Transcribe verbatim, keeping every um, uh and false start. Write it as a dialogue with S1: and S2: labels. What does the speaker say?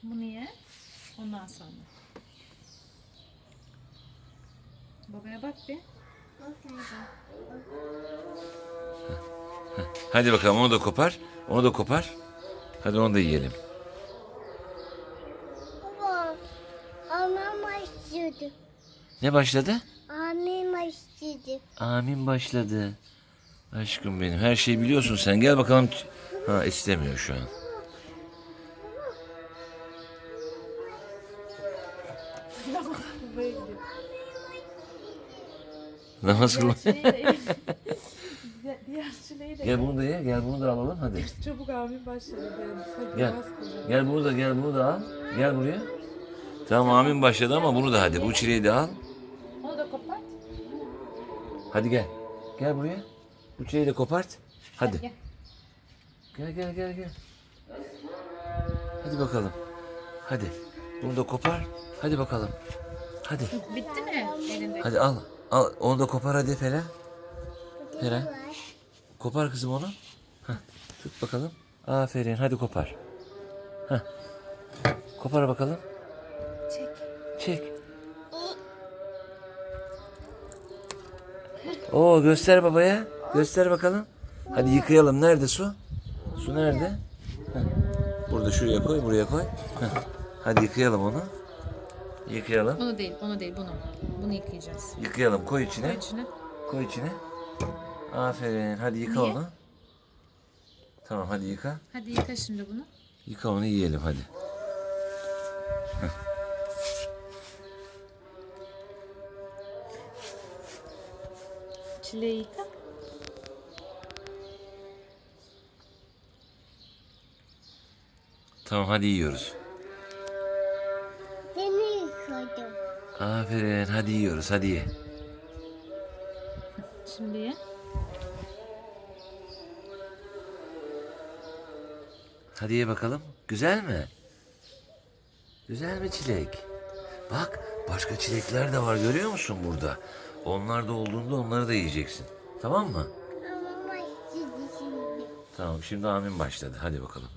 S1: Bunu ye. Ondan sonra. Babaya bak bir.
S2: Hadi bakalım onu da kopar. Onu da kopar. Hadi onu da yiyelim.
S3: Baba, annem başladı.
S2: Ne başladı?
S3: Annem başladı.
S2: Amin başladı. Aşkım benim. Her şeyi biliyorsun sen. Gel bakalım. Ha istemiyor şu an.
S1: Babaya gidiyor.
S2: Namaz kılma.
S1: Diğer çileği de Diğer- Diğer çileği de
S2: Gel bunu da ye. Gel bunu da alalım hadi.
S1: Çabuk amin başladı. Hadi
S2: Gel.
S1: namaz kılacağım.
S2: Gel bunu da gel bunu da al. Gel buraya. Tamam amin başladı ama bunu da hadi. Bu çileği de al.
S1: Onu da kopart.
S2: Hadi gel. Gel buraya. Bu çileği de kopart. Hadi.
S1: Gel.
S2: Gel gel gel gel. Hadi bakalım. Hadi. Bunu da kopar. Hadi bakalım. Hadi.
S1: Bitti mi elinde?
S2: Hadi al. Al. Onu da kopar hadi Fela. Fela. Kopar kızım onu. Heh. Tut bakalım. Aferin. Hadi kopar. Heh. Kopar bakalım.
S1: Çek.
S2: Çek. Oo göster babaya. Göster bakalım. Hadi yıkayalım. Nerede su? Su nerede? Heh. Burada şuraya koy, buraya koy. Heh. Hadi yıkayalım onu. Yıkayalım.
S1: Onu değil, onu değil, bunu. Bunu yıkayacağız.
S2: Yıkayalım. Koy içine.
S1: Koy içine.
S2: Koy içine. Aferin. Hadi yıka
S1: Niye?
S2: onu. Tamam hadi yıka.
S1: Hadi yıka şimdi bunu.
S2: Yıka onu yiyelim hadi.
S1: Çileği yıka.
S2: Tamam hadi yiyoruz.
S3: Seni yıkadım.
S2: Aferin. Hadi yiyoruz. Hadi ye.
S1: Şimdi ye.
S2: Hadi ye bakalım. Güzel mi? Güzel mi çilek? Bak başka çilekler de var görüyor musun burada? Onlar da olduğunda onları da yiyeceksin. Tamam mı?
S3: Ama başladı şimdi.
S2: Tamam şimdi amin başladı. Hadi bakalım.